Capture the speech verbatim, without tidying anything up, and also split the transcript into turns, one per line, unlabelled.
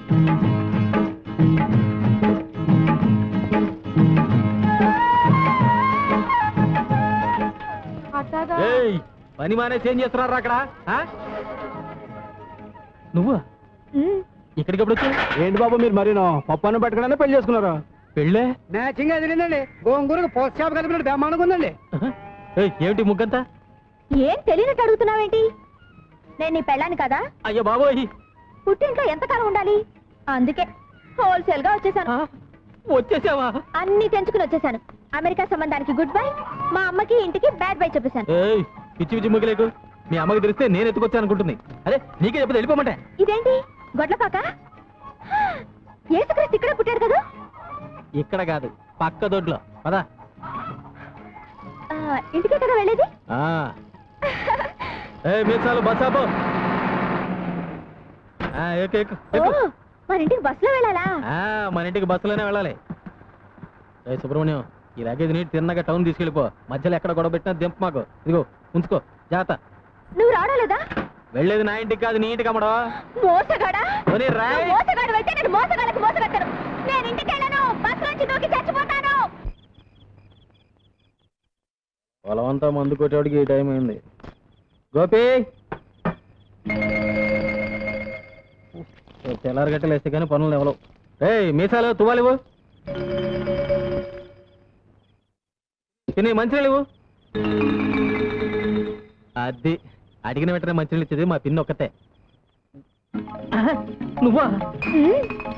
పని మానేసి ఏం చేస్తున్నారు అక్కడ? నువ్వు ఇక్కడికి ఎప్పుడు వచ్చావు?
ఏంటి బాబు మీరు మరి పప్పాన్ని పట్టుకునే పెళ్లి చేసుకున్నారు?
పెళ్ళే
మ్యాచింగ్ అదిరిందండి. గోంగూరకు పోస్ట్ షాప్ కలిపినట్టు బ్రహ్మాండంగా ఉందండి.
ఏమిటి ముగ్గంతా?
ఏం తెలియనట్టు అడుగుతున్నావేంటి? నేను నీ పెళ్ళాను కదా.
అయ్యో బాబోయ్,
పుట్టింట్లో ఎంతకాలం ఉండాలి, అందుకే హోల్సేల్ గా వచ్చేసాను.
వచ్చేసావా?
అన్ని తెంచుకుని వచ్చేసాను. అమెరికా సంబంధానికి గుడ్ బై, మా అమ్మకి ఇంటికి బ్యాడ్ బై చెప్పేశాను.
పిచ్చి పిచ్చి ముగ్గులేకు. మీ అమ్మకి తెలిస్తే నేను ఎత్తుకొచ్చాను అనుకుంటుంది. అదే నీకే చెప్పి వెళ్ళిపోమంటే.
ఇదేంటి గొడ్లపాక? ఏసుక్రీస్తు ఇక్కడ పుట్టాడు కదా.
ఇక్కడ కాదు, పక్క దొడ్లో. పదా
ఇంటికే కదా వెళ్ళేది.
మీసాలు బస్సాబో.
మన ఇంటికి బస్సులో వెళ్ళాలా?
మన ఇంటికి బస్సులోనే వెళ్ళాలి. సుబ్రహ్మణ్యం, ఈ లగేజ్ నీటి తిన్నగా టౌన్ తీసుకెళ్ళిపో. మధ్యలో ఎక్కడ గొడవ పెట్టినా దింపు మాకు. ఇదిగో ఉంచుకో, జాగ్రత్త.
నువ్వు రావడాలేదా?
వెళ్ళేది నా ఇంటికి కాదు, నీ ఇంటికి అమ్మడో.
మోసగాడా? మోసగాడు అయితే నేను మోసగాళ్ళకి మోసగడతాను. నేను ఇంటికి వెళ్ళను, బస్సు నుంచి దూకి చచ్చిపోతాను.
పొలమంతా మందు కొట్టేవాడికి ఈ టైం అయింది. గోపి, తెల్లారి గట్టలు వేస్తే కానీ పనులు ఎవరు. రే మీసాలు తువ్వాలివు, తిని మంచినీళ్ళు. అది అడిగిన వెంటనే మంచినీళ్ళు ఇచ్చేది మా పిన్ని ఒక్కతే. నువ్వా?